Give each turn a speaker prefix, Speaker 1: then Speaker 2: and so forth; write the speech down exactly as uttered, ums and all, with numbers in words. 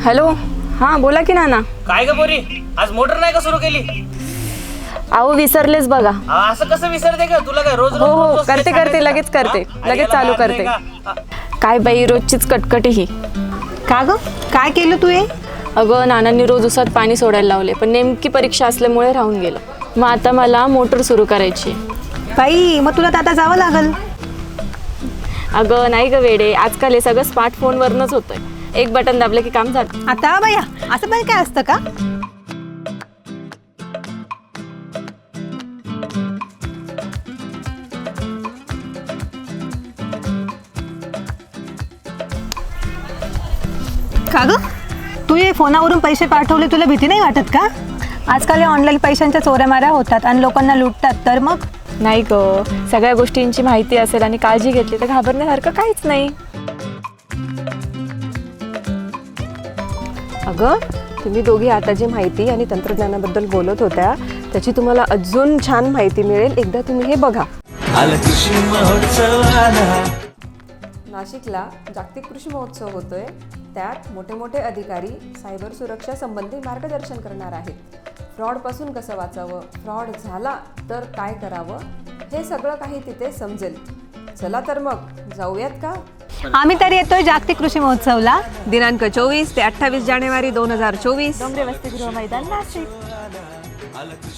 Speaker 1: Hello, हां बोला की नाना.
Speaker 2: काय ग पोरी, आज मोटर नाही का सुरू केली?
Speaker 1: अहो विसरलेच बघा.
Speaker 2: आ, असं कसं विसरते का तुला? काय रोज
Speaker 1: हो
Speaker 2: रोज
Speaker 1: हो
Speaker 2: रोज
Speaker 1: करते
Speaker 2: तेच
Speaker 1: करते
Speaker 2: सांगायचं
Speaker 1: लगेच
Speaker 2: का?
Speaker 1: करते
Speaker 2: हा?
Speaker 1: लगेच
Speaker 2: अरे
Speaker 1: चालू
Speaker 2: याला
Speaker 1: करते.
Speaker 2: नाही का?
Speaker 1: काय बाई रोजचीच कटकटी ही.
Speaker 3: का ग काय केलं तू हे?
Speaker 1: अगं नानांनी रोज उसात पाणी सोडायला लावले, पण नेमकी परीक्षा असल्यामुळे राहून गेलं. मग आता मला मोटर सुरू करायची.
Speaker 3: बाई मग तुला तर आता जावं लागल.
Speaker 1: अगं नाही ग वेडे, आजकाल हे सगळं स्मार्टफोनवरनंच होतंय. एक बटन दाबलं की काम झालं.
Speaker 3: आता बाया असं पण काय असतं का? का ग तू हे फोनावरून पैसे पाठवले, तुला भीती नाही वाटत का? आजकाल हे ऑनलाईन पैशांच्या चोऱ्यामाऱ्या होतात आणि लोकांना लुटतात, तर मग
Speaker 1: नाही ग, सगळ्या गोष्टींची माहिती असेल आणि काळजी घेतली तर घाबरण्यासारखं काहीच नाही.
Speaker 4: अगं तुम्ही दोघी आता जी माहिती आणि तंत्रज्ञानाबद्दल बोलत होत्या त्याची तुम्हाला अजून छान माहिती मिळेल. एकदा तुम्ही हे बघा. नाशिकला जागतिक कृषी महोत्सव होतोय. त्यात मोठे मोठे अधिकारी सायबर सुरक्षा संबंधी मार्गदर्शन करणार आहेत. फ्रॉडपासून कसं वाचावं, फ्रॉड झाला तर काय करावं, हे सगळं काही तिथे समजेल. चला तर मग जाऊयात का?
Speaker 3: आम्ही तर येतोय जागतिक कृषी महोत्सवला.
Speaker 4: दिनांक चोवीस ते अठ्ठावीस जानेवारी दोन हजार चोवीस.
Speaker 1: डोंगरे वसतिगृह मैदान नाशिक.